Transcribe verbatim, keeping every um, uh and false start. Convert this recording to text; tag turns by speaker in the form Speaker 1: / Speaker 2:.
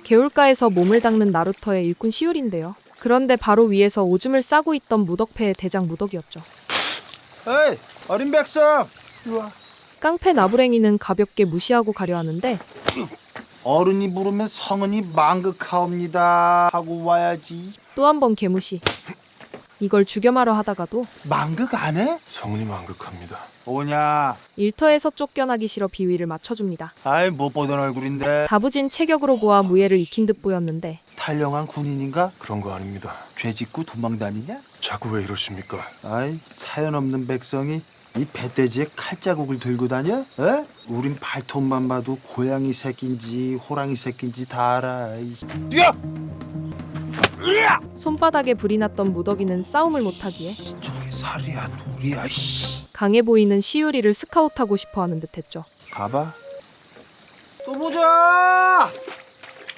Speaker 1: 개울가에서 몸을 닦는 나루터의 일꾼 시울인데요. 그런데 바로 위에서 오줌을 싸고 있던 무덕패의 대장 무덕이었죠.
Speaker 2: 에이, 어린 백성! 이리와.
Speaker 1: 깡패 나부랭이는 가볍게 무시하고 가려 하는데
Speaker 2: 어른이 부르면 성은이 망극하옵니다 하고 와야지.
Speaker 1: 또 한 번 개무시. 이걸 죽여마려 하다가도
Speaker 2: 망극 안 해?
Speaker 3: 성은이 망극합니다.
Speaker 2: 오냐?
Speaker 1: 일터에서 쫓겨나기 싫어 비위를 맞춰줍니다.
Speaker 2: 아이, 못 보던 얼굴인데.
Speaker 1: 다부진 체격으로 보아 무예를 익힌 듯 보였는데
Speaker 2: 탈영한 군인인가?
Speaker 3: 그런 거 아닙니다.
Speaker 2: 죄 짓고 도망 다니냐?
Speaker 3: 자꾸 왜 이러십니까?
Speaker 2: 아이, 사연 없는 백성이 이 배돼지에 칼자국을 들고 다녀? 에? 우린 발톱만 봐도 고양이 새끼인지 호랑이 새끼인지 다 알아. 뛰어!
Speaker 1: 손바닥에 불이 났던 무덕이는 싸움을 못하기에
Speaker 2: 저게 살이야 돌이야. 씨.
Speaker 1: 강해 보이는 시우리를 스카웃하고 싶어하는 듯했죠.
Speaker 2: 가봐. 또 보자.